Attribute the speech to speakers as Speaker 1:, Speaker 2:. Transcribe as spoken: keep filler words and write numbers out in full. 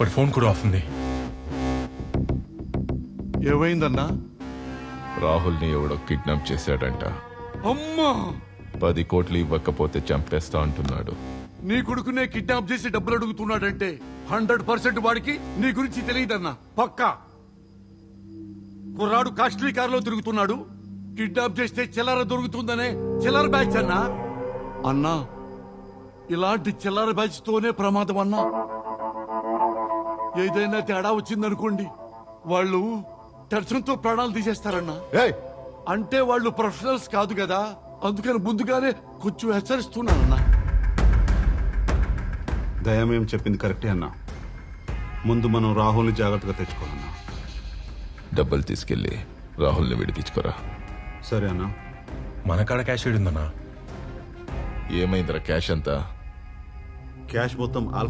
Speaker 1: వాడి ఫోన్ కూడా ఆఫ్ ఉంది.
Speaker 2: ఏమైందన్నా?
Speaker 3: రాహుల్ని ఎవడో కిడ్నాప్ చేశాడంట.
Speaker 2: అమ్మా,
Speaker 3: పది కోట్లు ఇవ్వకపోతే చంపేస్తా అంటున్నాడు.
Speaker 2: నీ కొడుకునే కిడ్నాప్ చేసి డబ్బులు అడుగుతున్నాడంటే హండ్రెడ్ పర్సెంట్ వాడికి నీ గురించి తెలియదన్నా. పక్కా కుర్రాడు కాస్ట్లీ కారులో తిరుగుతున్నాడు. కిడ్నాప్ చేస్తే చిల్లర దొరుకుతుందనే చిల్లర బ్యాచ్ అన్నా. అన్నా, ఇలాంటి చిల్లర బ్యాచ్ తోనే ప్రమాదం అన్నా. ఏదైనా తేడా వచ్చిందనుకోండి, వాళ్ళు టెన్షన్తో ప్రాణాలు తీసేస్తారన్నా. అంటే వాళ్ళు ప్రొఫెషనల్స్ కాదు కదా, అందుకని ముందుగానే కొంచెం హెచ్చరిస్తున్నానన్నా.
Speaker 4: దయమేం చెప్పింది కరెక్టే అన్నా. ముందు మనం రాహుల్ని జాగ్రత్తగా తెచ్చుకోవాలన్నా.
Speaker 3: డబ్బులు తీసుకెళ్లి రాహుల్ని విడిపించుకోరా.
Speaker 4: సరే అన్నా.
Speaker 1: మన కాడ క్యాష్ ఉందన్నా.
Speaker 3: ఏమైందిరా క్యాష్ అంతా?
Speaker 4: క్యాష్ మొత్తం